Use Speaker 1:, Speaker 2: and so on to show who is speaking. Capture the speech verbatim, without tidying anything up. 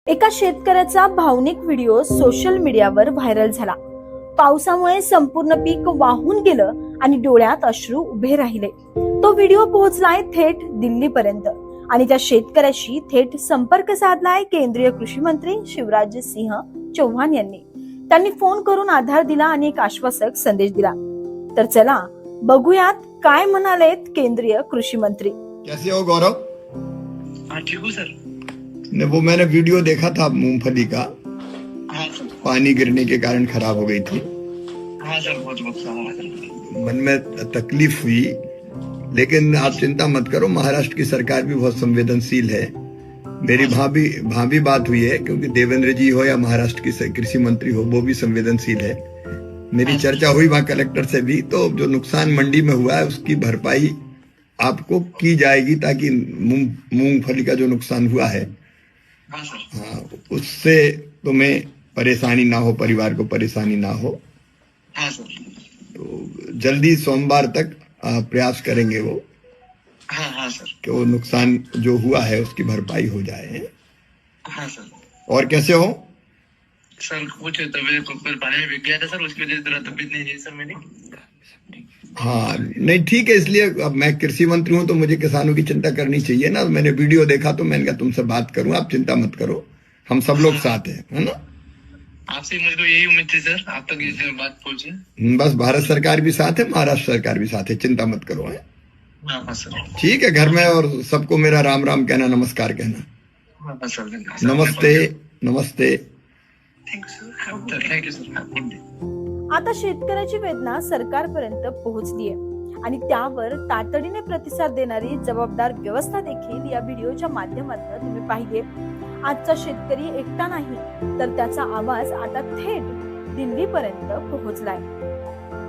Speaker 1: एका शेतकऱ्याचा भावनिक व्हिडिओ सोशल मीडियावर व्हायरल झाला. पावसामुळे संपूर्ण पीक वाहून गेलं आणि डोळ्यात अश्रू उभे राहिले. तो व्हिडिओ पोहोचलाय थेट दिल्लीपर्यंत आणि त्या शेतकऱ्याशी थेट संपर्क साधलाय केंद्रीय कृषी मंत्री शिवराज सिंह चौहान यांनी. त्यांनी फोन करून आधार दिला आणि एक आश्वासक संदेश दिला. तर चला बघूयात काय म्हणालेत केंद्रीय कृषी मंत्री.
Speaker 2: कैसे हो गौरव?
Speaker 3: हाँ ठीक हूँ सर।
Speaker 2: ने वो मैंने वीडियो देखा था मूंगफली का,
Speaker 3: हाँ सर।
Speaker 2: पानी गिरने के कारण खराब हो गई थी.
Speaker 3: हाँ सर, बहुत नुकसान हुआ सर।
Speaker 2: मन में तकलीफ हुई, लेकिन आप चिंता मत करो, महाराष्ट्र की सरकार भी बहुत संवेदनशील है. मेरी भाभी भाभी बात हुई है, क्योंकि देवेंद्र जी हो या महाराष्ट्र की कृषि मंत्री हो, वो भी संवेदनशील है. मेरी चर्चा हुई वहाँ कलेक्टर से भी, तो जो नुकसान मंडी में हुआ है उसकी भरपाई आपको की जाएगी, ताकि मूंगफली का जो नुकसान हुआ है
Speaker 3: हाँ सर।
Speaker 2: हाँ, उससे तुम्हें परेशानी ना हो, परिवार को परेशानी ना हो.
Speaker 3: हाँ सर।
Speaker 2: तो जल्दी सोमवार तक आ, प्रयास करेंगे वो
Speaker 3: हाँ हाँ सर।
Speaker 2: कि वो नुकसान जो हुआ है उसकी भरपाई हो जाए.
Speaker 3: हाँ सर।
Speaker 2: और कैसे हो?
Speaker 3: सर कुछ तबीयत को पानी में बिक गया था सर, उसकी वजह से जरा तबीयत नहीं रही सर मेरी।
Speaker 2: हाँ नहीं ठीक है, इसलिए अब मैं कृषि मंत्री हूँ तो मुझे किसानों की चिंता करनी चाहिए ना. मैंने वीडियो देखा तो मैंने कहा तुमसे बात करूं. आप चिंता मत करो, हम सब लोग साथ हैं, है ना.
Speaker 3: आपसे मुझे तो यही उम्मीद थी सर, आप तक ये बात पहुंचे.
Speaker 2: बस भारत सरकार भी साथ है, महाराष्ट्र सरकार भी साथ है, चिंता मत करो. है
Speaker 3: हाँ हाँ सर।
Speaker 2: ठीक है, घर में और सबको मेरा राम राम कहना, नमस्कार कहना.
Speaker 3: हाँ हाँ सर।
Speaker 2: नमस्ते नमस्ते.
Speaker 3: Thank you sir. Thank you sir. Good day.
Speaker 1: आता शेतकऱ्याची वेदना सरकारपर्यंत पोहोचलीये आणि त्यावर तातडीने प्रतिसाद देणारी जबाबदार व्यवस्था देखील या व्हिडिओच्या माध्यमातून तुम्ही पाहिली. आजचा शेतकरी एकटा नाही, तर त्याचा आवाज आता थेट दिल्लीपर्यंत पोहोचलाय.